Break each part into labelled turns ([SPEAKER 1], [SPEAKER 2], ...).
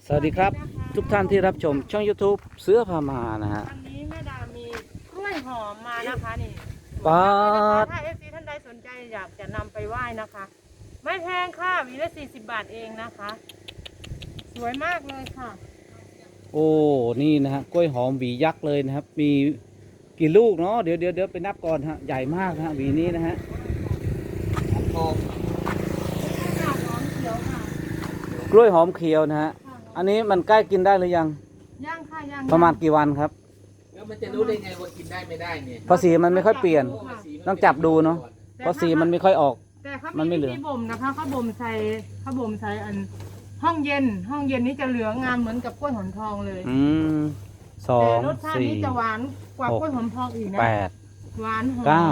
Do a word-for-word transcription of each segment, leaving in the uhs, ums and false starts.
[SPEAKER 1] สวัสดีครับทุกท่านที่รับชมช่อง YouTube เสือพามานะฮะ
[SPEAKER 2] วันนี้แม่ดามีกล้วยหอมมานะคะนี่
[SPEAKER 1] ป๊าด
[SPEAKER 2] ถ้าเอฟซีท่านใดสนใจอยากจะนำไปไหว้นะคะ ไม่แพงค่ะหวีละสี่สิบบาทเองนะคะ สวยมากเลยค่ะ
[SPEAKER 1] โอ้นี่นะฮะกล้วยหอมหวียักษ์เลยนะครับมีกี่ลูกเนาะเดี๋ยวเดี๋ยวเดี๋ยวไปนับก่อนฮะใหญ่มากนะฮะหวีนี้นะฮะ
[SPEAKER 2] หอมเขียวค่ะ
[SPEAKER 1] กล้วยหอมเขียวนะฮะอันนี้มันใกล้กินได้หรือยัง
[SPEAKER 2] ย่างค่ะย่าง
[SPEAKER 1] ประมาณกี่วันครับ
[SPEAKER 3] แล้วมันจะรู้ได้ไงว่ากินได้ไม่ได้เนี่ย
[SPEAKER 1] เพราะสีมันไม่ค่อยเปลี่ยนต้องจับดูเนาะเพราะสีมันไม่ค่อยออก
[SPEAKER 2] แต่เขาไม่เหลืองบ่มนะคะเขาบ่มใส่เขาบ่มใส่อันห้องเย็นห้องเย็นนี้จะเหลืองงามเหมือนกับกล้วยหอมทองเลย
[SPEAKER 1] อืมสอ
[SPEAKER 2] แต่
[SPEAKER 1] ง
[SPEAKER 2] รสชาตินี้จะหวานกว่ากล้วยหอมทองอีกนะ
[SPEAKER 1] แปด
[SPEAKER 2] หวานหอม
[SPEAKER 1] เก้า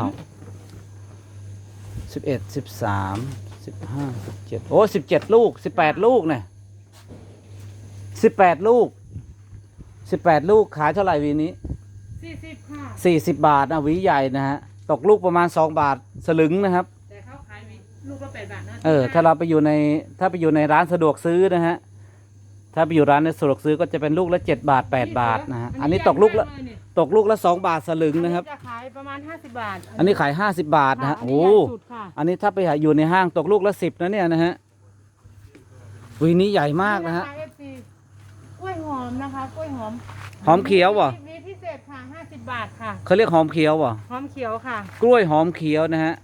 [SPEAKER 1] สิบเอ็ดสิบสามสิบห้าสิบเจ็ดโอ้สิบเจ็ดลูกสิบแปดลูกเนี่ยสิบแปดลูกสิบแปดลูกขายเท่าไหร่วีนี้
[SPEAKER 2] สี่สิบค่ะ
[SPEAKER 1] สี่สิบบาทนะหวีใหญ่นะฮะตกลูกประมาณสองบาทสลึงนะครับ
[SPEAKER 2] แต่เขาขายลูกละแปดบาทนะ
[SPEAKER 1] เออถ้าเราไปอยู่ในถ้าไปอยู่ในร้านสะดวกซื้อนะฮะถ้าไปอยู่ร้านในสะดวกซื้อก็จะเป็นลูกละเจ็ดบาทแปดบาทนะฮะอันนี้ตกลูกละตกลูกละสองบาทสลึงนะครับ
[SPEAKER 2] จะขายประมาณห้าสิบบาท
[SPEAKER 1] อันนี้ขายห้าสิบบาทนะฮะโอ้อันนี้ถ้าไปอยู่ในห้างตกลูกละสิบนะเนี่ยนะฮะหวีนี้ใหญ่มากนะฮะ
[SPEAKER 2] กล้วยหอมนะคะกล้วยหอม
[SPEAKER 1] หอมเขียวบ่
[SPEAKER 2] มีพิเศษค่ะห้าสิบบาทค่ะ
[SPEAKER 1] เขาเรียกหอมเขียวบ่
[SPEAKER 2] หอมเขียวค่ะ
[SPEAKER 1] กล้วยหอมเขียวนะฮะ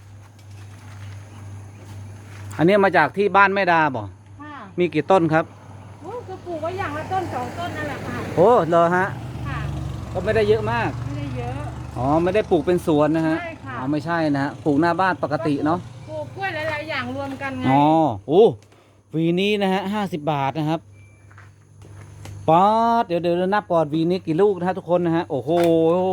[SPEAKER 1] อันนี้มาจากที่บ้านแม่ดาบ่มีกี่ต้นครับ
[SPEAKER 2] โอ้ก็ปลูกไว้อย่างละต้นสองต้นนั่นแหละค่ะ
[SPEAKER 1] โอ้เหรอฮะ
[SPEAKER 2] ค่ะ
[SPEAKER 1] ก็ไม่ได้เยอะมาก
[SPEAKER 2] ไม่ได้เยอะ
[SPEAKER 1] อ๋อไม่ได้ปลูกเป็นสวนนะฮะ
[SPEAKER 2] ใช่ค่ะ
[SPEAKER 1] อ๋อไม่ใช่นะฮะปลูกหน้าบ้านปกติเนาะ
[SPEAKER 2] ปลูกกล้วยหลายๆอย่างรวมกันไง
[SPEAKER 1] อ๋อโอ้วีนี้นะฮะห้าสิบบาทนะครับป๊อดเดี๋ยวเดี๋ยวนับก่อนวีนี้กี่ลูกนะฮะทุกคนนะฮะโอ้โห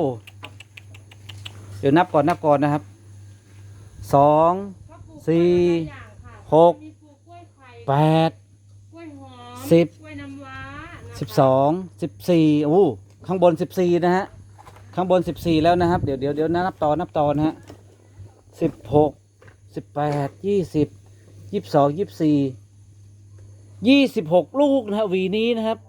[SPEAKER 1] เดี๋ยวนับก่อนนับก่อนนะครับสองสี่หกแปดสิบสิบสองสิบสี่โอ้ข้างบนสิบสี่นะฮะข้างบนสิบสี่แล้วนะครับเดี๋ยวเดี๋ยวเดี๋ยวนับต่อนับต่อนะฮะสิบหกสิบแปดยี่สิบยี่สิบสองยี่สิบสี่ยี่สิบหกลูกนะฮะวีนี้นะครับ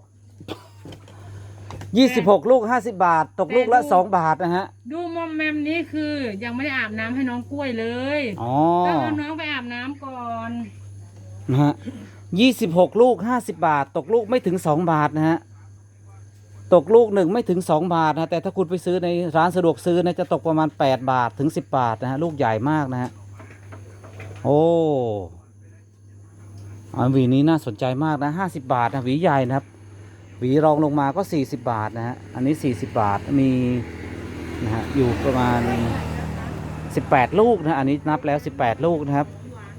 [SPEAKER 1] ยี่สิบหกลูกห้าสิบบาทตกลูกละสองบาทนะฮะ
[SPEAKER 2] ดูมอมแมมนี้คือยังไม่ได้อาบน้ำให้น้องกล้วยเลย
[SPEAKER 1] อ๋อ
[SPEAKER 2] ต้องเอาน้องไปอาบน้ำก่อน
[SPEAKER 1] นะฮะยี่สิบหกลูกห้าสิบบาทตกลูกไม่ถึงสองบาทนะฮะตกลูกหนึ่งไม่ถึงสองบาทนะแต่ถ้าคุณไปซื้อในร้านสะดวกซื้อนะจะตกประมาณแปดบาทถึงสิบบาทนะฮะลูกใหญ่มากนะฮะโอ้อันหวีนี้น่าสนใจมากนะห้าสิบบาทนะหวีใหญ่นะครับหวีรองลงมาก็สี่สิบบาทนะฮะอันนี้สี่สิบบาทมีนะฮะอยู่ประมาณสิบแปดลูกนะอันนี้นับแล้วสิบแปดลูกนะครับ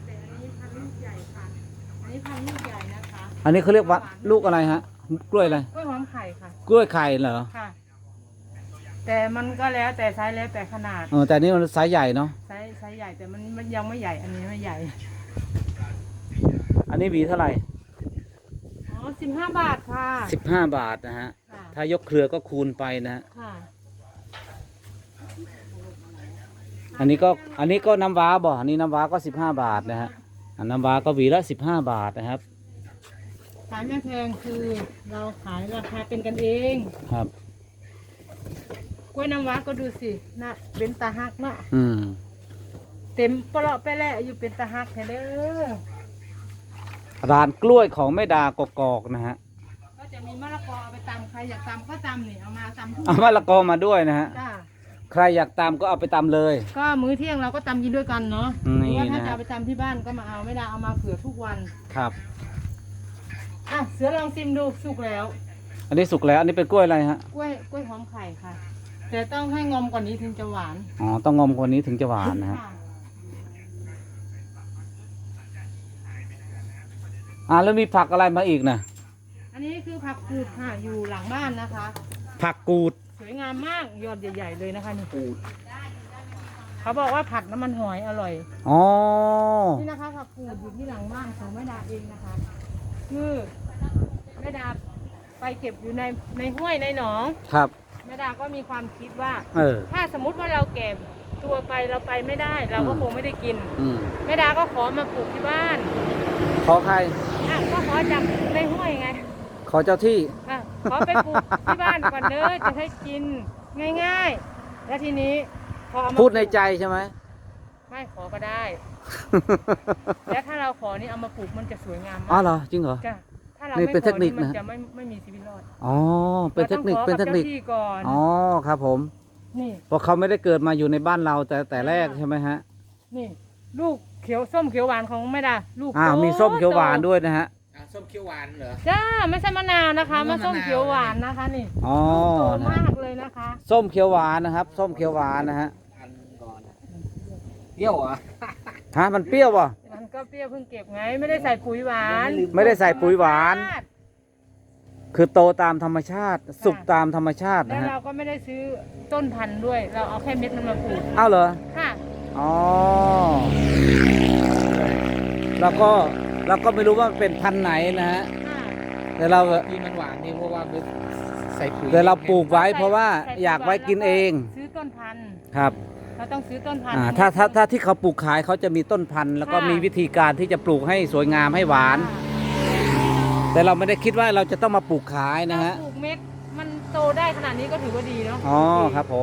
[SPEAKER 1] อันนี้เขาเรียกว่าลูกอะไรฮะกล้วยอะไร
[SPEAKER 2] กล้วยหอมไข่ค่ะ
[SPEAKER 1] กล้วยไข่เหรอ
[SPEAKER 2] ค่ะแต่มันก็แล้วแต่ไซส์แล้วแต่ขนาด
[SPEAKER 1] เออแต่นี่มันไซส์ใหญ่เนาะ
[SPEAKER 2] ไซส์ไซส์ใหญ่แต่มันมันยังไม่ใหญ่อันนี้ไม่ใหญ่
[SPEAKER 1] อันนี้หวีเท่าไหร่
[SPEAKER 2] อ๋อสิบห้าบาทค่ะ
[SPEAKER 1] สิบห้าบาทนะฮะถ้ายกเครือก็คูณไปนะฮะอันนี้ก็อันนี้ก็น้ำว้าบ่อันนี้น้ำว้าก็สิบห้าบาทนะฮะน้ำว้าก็หวีละสิบห้าบาทนะครับ
[SPEAKER 2] ขายไม่แพงคือเราขายราคาเป็นกันเอง
[SPEAKER 1] ครับ
[SPEAKER 2] กล้วยน้ำว้าก็ดูสินะเป็นตาฮักเนาะ
[SPEAKER 1] อืม
[SPEAKER 2] เต็มปลอกไปแล้วอยู่เป็นตาฮักเด้อ
[SPEAKER 1] ร้านกล้วยของแม่ดากกอกนะฮะ
[SPEAKER 2] ก็จะมีมะละกอเอาไปตำใครอยากตำก็ตำนี่เอามาตำ
[SPEAKER 1] เอามะละกอมาด้วยนะฮะใครอยากตำก็เอาไปตำเลย
[SPEAKER 2] ก็มื้อเที่ยงเราก็ตำกินด้วยกันเนาะหรือว่าถ้าจะเอาไปตำที่บ้านก็มาเอาไม่ได้เอามาเผื่อทุกวัน
[SPEAKER 1] ครับ
[SPEAKER 2] อ่ะเสือลองชิมดูสุกแล้ว
[SPEAKER 1] อันนี้สุกแล้วอันนี้เป็นกล้วยอะไรฮะ
[SPEAKER 2] กล้วยกล้วยหอมไข่ค่ะแต่ต้องให้งอมกว่านี้ถึงจะหวาน
[SPEAKER 1] อ๋อต้องงอมกว่านี้ถึงจะหวานนะฮะอ่าแล้วมีผักอะไรมาอีกนะ
[SPEAKER 2] อันนี้คือผักกูดค่ะอยู่หลังบ้านนะคะ
[SPEAKER 1] ผักกูด
[SPEAKER 2] สวยงามมากยอดใหญ่ๆเลยนะคะนี่กูดเขาบอกว่าผัดน้ำมันหอยอร่อย
[SPEAKER 1] อ๋อ
[SPEAKER 2] นี่นะคะผักกูดอยู่ที่หลังบ้านของแม่ดาเองนะคะคือแม่ดาไปเก็บอยู่ในในห้วยในหนอง
[SPEAKER 1] ครับ
[SPEAKER 2] แม่ดาก็มีความคิดว่า
[SPEAKER 1] เออ
[SPEAKER 2] ถ้าสมมุติว่าเราเก็บตัวไปเราไปไม่ได้เราก็คงไม่ได้กินแม่ดาก็ขอมาปลูกที่บ้าน
[SPEAKER 1] ขอใคร
[SPEAKER 2] อ่ะก็ขอจับในห้วยไง
[SPEAKER 1] ขอเจ้าที่
[SPEAKER 2] อ่ะขอไปปลูกที่บ้านก่อนเด้อจะให้กินง่ายๆ แล้วทีนี้พอเอามา
[SPEAKER 1] พูดในใจใช่ไหม
[SPEAKER 2] ไม่ขอก็ได้ แล้วถ้าเราขอนี่เอามาปลูกมันจะสวยงาม
[SPEAKER 1] อ๋อ
[SPEAKER 2] มาก
[SPEAKER 1] เหรอจริงเหรอ
[SPEAKER 2] จ้ะถ้าเรา
[SPEAKER 1] นี่
[SPEAKER 2] ไม่
[SPEAKER 1] เป็น
[SPEAKER 2] ข
[SPEAKER 1] เท
[SPEAKER 2] อ
[SPEAKER 1] คนิค
[SPEAKER 2] นี่มัน
[SPEAKER 1] นะ
[SPEAKER 2] จะไม่ไม่มีชีวิตรอด
[SPEAKER 1] อ๋อเป็นเทคนิค
[SPEAKER 2] รา
[SPEAKER 1] เป็น
[SPEAKER 2] ต้อง
[SPEAKER 1] เทคนิค
[SPEAKER 2] ขอกับจ้าที่ก่อน
[SPEAKER 1] อ๋อครับผม
[SPEAKER 2] นี่
[SPEAKER 1] เพราะเขาไม่ได้เกิดมาอยู่ในบ้านเราแต่แต่แรกใช่ไหมฮะ
[SPEAKER 2] นี่ ลูกเขียวส้มเขียวหวานของแม่ดาลูก
[SPEAKER 1] อ่า
[SPEAKER 2] โต
[SPEAKER 1] มีส้มเขียวหวาน
[SPEAKER 2] โต
[SPEAKER 1] ด้วยนะฮะ
[SPEAKER 3] อ่ะส้มเขียวหวานเหรอ
[SPEAKER 2] จ้าไม่ใช่มะนาวนะคะ
[SPEAKER 3] ไม่
[SPEAKER 2] มา
[SPEAKER 3] ใช่
[SPEAKER 2] ส้ม
[SPEAKER 3] มะนาว
[SPEAKER 2] เขียวหวานนะคะนี่
[SPEAKER 1] อ๋อ
[SPEAKER 2] โต
[SPEAKER 1] นะ
[SPEAKER 2] มากเลยนะคะ
[SPEAKER 1] ส้มเขียวหวานนะครับ ส้มเขียวหวานนะฮะ
[SPEAKER 3] อันก่อนเปรี้ยวเหรอ
[SPEAKER 1] ฮะมันเปรี้ยวป่ะ
[SPEAKER 2] มันก็เปรี้ยวเพิ่งเก็บไงไม่ได้ใส่ปุ๋ยหวาน
[SPEAKER 1] ไม่ได้ใส่ปุ๋ยหวาน คือโตตามธรรมชาติ สุกตามธรรมชาติ
[SPEAKER 2] แล้
[SPEAKER 1] นะ
[SPEAKER 2] ว
[SPEAKER 1] ฮะ
[SPEAKER 2] เราก็ไม่ได้ซื้อต้นพันธุ์ด้วย เราเอาแค่เม็ดมันมาปลูก
[SPEAKER 1] อ้าวเหรอ
[SPEAKER 2] ค่ะ
[SPEAKER 1] อ๋อแล้วก็เราก็ไม่รู้ว่ามันเป็นพันธุ์ไหนนะฮะ
[SPEAKER 2] ค่ะ
[SPEAKER 1] แต่เรา
[SPEAKER 3] ที่มันหวานนี่เพราะว่ามันใส่ปุ๋ย
[SPEAKER 1] แต่เราปลูกไว้
[SPEAKER 2] ใส่
[SPEAKER 1] เพราะว่า
[SPEAKER 2] ใส่ปุ๋
[SPEAKER 1] อยากไว้กินเอง
[SPEAKER 2] ซื้อต้นพันธุ์
[SPEAKER 1] ครับ
[SPEAKER 2] เราต้องซื้อต้นพันธุ์
[SPEAKER 1] อ่าถ้าถ้าถ้าที่เขาปลูกขายเขาจะมีต้นพันธุ์แล้วก็มีวิธีการที่จะปลูกให้สวยงามให้หวาน แต่เราไม่ได้คิดว่าเราจะต้องมาปลูกขายนะฮะ
[SPEAKER 2] ถ้าปลูกเม็ดมันโตได้ขนาดนี้ก็ถือว่าดีเนาะ
[SPEAKER 1] อ๋อครับผม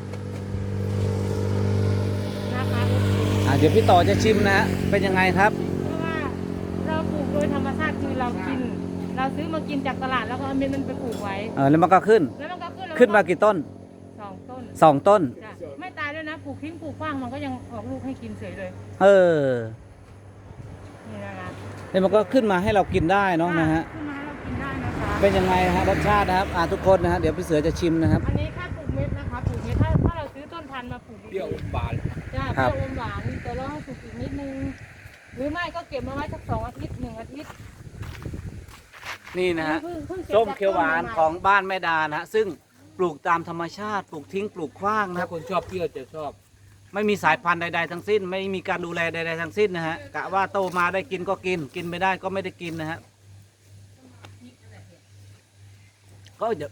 [SPEAKER 2] นะคะ
[SPEAKER 1] อ่าเดี๋ยวพี่ต่อจะชิมนะฮะเป็นยังไงครับ
[SPEAKER 2] เพราะว่าเราปลูกโดยธรรมชาติคือเรากิน เราซื้อมากินจากตลาดแล้วก็เอาเม็ดมันไปปลูกไว้
[SPEAKER 1] เออแล้วมันก็ขึ้น
[SPEAKER 2] แล้วมันก็ขึ้นแล้ว
[SPEAKER 1] ขึ้นมากี่ต้น
[SPEAKER 2] สองต้น
[SPEAKER 1] สองต้น
[SPEAKER 2] จ้ะไม่ตายด้วยนะปลูกทิ้งปลูกขว้างมันก็ยังออกลูกให้กินเฉยเลย
[SPEAKER 1] เออ
[SPEAKER 2] นี่นะคะ
[SPEAKER 1] แล้วมันก็ขึ้นมาให้เรากินได้เนาะนะฮะ
[SPEAKER 2] ขึ้นมาให้เรากินได้นะคะ
[SPEAKER 1] เป็นยังไงฮะรสชาตินะครับอ่าทุกคนนะฮะเดี๋ยวพี่เสือจะชิมนะครับ
[SPEAKER 2] อันนี้แค่ปลูกเม็ดนะคะปลูกเม็ดถ้าถ้าเราซื้อต้นพันธุ์มาปลูก
[SPEAKER 3] เปรี้ยวหวาน
[SPEAKER 2] จ้า
[SPEAKER 1] ค
[SPEAKER 2] เป
[SPEAKER 1] รับ
[SPEAKER 2] รี้ยวอมหวานแต่เราให้ปลูกอีกนิดนึงหรือไม่ก็เก็บมาไว้สักสองอาทิตย์หนึ่งอาทิตย์
[SPEAKER 1] นี่นะฮะ
[SPEAKER 2] เพิ่งพิ่งก็บ
[SPEAKER 1] ส้มเขียวหวาน
[SPEAKER 2] จกต้ใม่ๆ
[SPEAKER 1] ของบ้านแม่ดานะฮะซึ่งปลูกตามธรรมชาติปลูกทิ้งปลูกขว้างนะค
[SPEAKER 3] ถ้า
[SPEAKER 1] รับ
[SPEAKER 3] คนชอบเปรี้ยวจะชอบ
[SPEAKER 1] ไม่มีสายพันธุ์ใดๆทั้งสิ้น ไม่มีการดูแลใดๆทั้งสิ้นนะฮะกะว่าโตมาได้กินก็กิน กินไม่ได้ก็ไม่ได้กินนะฮะก็จะ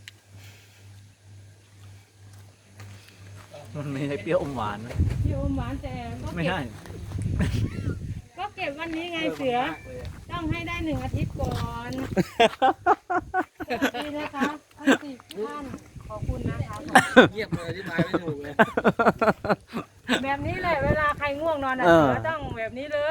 [SPEAKER 1] มันไม่ใช่เปรี้ยวอมหวานนะ
[SPEAKER 2] เปรี้ยวอมหวานแต่ก็
[SPEAKER 1] ไม่
[SPEAKER 2] เก็บ
[SPEAKER 1] ใช่
[SPEAKER 2] ก็เก็บวันนี้ไงเสือ ต้องให้ได้หนึ่งอาทิตย์ก่อนนี่นะคะทั้งสี่ท่านขอบคุณนะคะ
[SPEAKER 3] เงียบเลยอธิบายไม่ถูกเลย
[SPEAKER 2] แบบนี้เลยเวลาใครง่วงนอนอ่ะ
[SPEAKER 1] เออ
[SPEAKER 2] เสือต้องแบบนี้เลย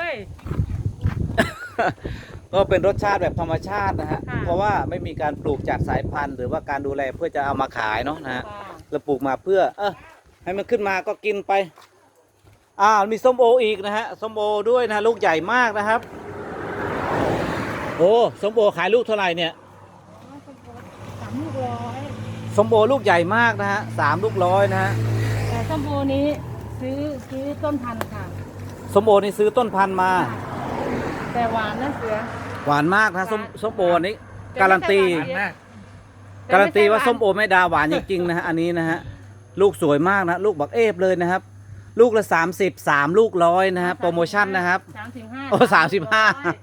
[SPEAKER 1] ก็เป็นรสชาติแบบธรรมชาตินะฮะ
[SPEAKER 2] ค่ะ
[SPEAKER 1] เพราะว่าไม่มีการปลูกจากสายพันธุ์ หรือว่าการดูแลเพื่อจะเอามาขายเนาะนะฮะ
[SPEAKER 2] ค่ะ
[SPEAKER 1] เราปลูกมาเพื่อ เออให้มันขึ้นมาก็กินไปอ่ามีส้มโออีกนะฮะส้มโอด้วยนะลูกใหญ่มากนะครับ โอ้ส้มโอขายลูกเท่าไหร่เนี่ย
[SPEAKER 2] สามลูกร้อย
[SPEAKER 1] ส้มโอลูกใหญ่มากนะฮะสามลูกร้อยนะฮะ
[SPEAKER 2] แต่ส้มโอนี้ซื้อซื้อต้นพันธุ์ค่ะ
[SPEAKER 1] ส้มโอนี่ซื้อต้นพันธุ์มา
[SPEAKER 2] แต่หวานนะเสือ
[SPEAKER 1] หวานมากนะส้มส้มโอนี้การันตี
[SPEAKER 3] หวานมาก
[SPEAKER 1] การันตีว่าส้มโอแม่ดาหวานจริงๆนะฮะอันนี้นะฮะลูกสวยมากนะลูกบักเอฟเลยนะครับ ลูกละสามสิบสามลูกร้อยนะฮะโปรโมชั่นนะครับ
[SPEAKER 2] สามสิบห้า
[SPEAKER 1] โอ้สามสิบห้า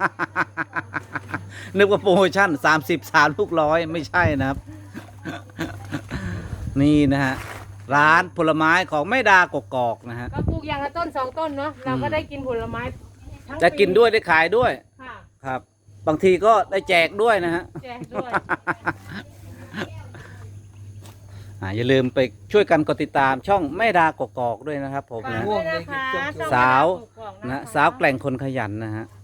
[SPEAKER 1] นึกว่าโปรโมชั่นสามสิบสามลูกร้อยไม่ใช่นะครับ นี่นะฮะร้านผลไม้ของแม่ดากกอกนะฮะ
[SPEAKER 2] ก็ปลูกอย่างละต้นสองต้นเนาะเราก็ได้กินผลไม้ทั้ง
[SPEAKER 1] จะกินด้วยได้ขายด้วย
[SPEAKER 2] ค่ะ
[SPEAKER 1] ครับ บางทีก็ได้แจกด้วยนะฮะ
[SPEAKER 2] แจกด้วย
[SPEAKER 1] อ่าอย่าลืมไปช่วยกันกดติดตามช่องแม่ดากกอกด้วยนะครับผม
[SPEAKER 2] ฝาก
[SPEAKER 1] นะ
[SPEAKER 2] ด้วยนะคะ
[SPEAKER 3] ม่วงเลย
[SPEAKER 1] สาว
[SPEAKER 2] ช่อง
[SPEAKER 1] นะ
[SPEAKER 2] แม่ดาปลูกกอกค
[SPEAKER 1] สาวแกล่งคนขยันนะฮะ
[SPEAKER 2] ค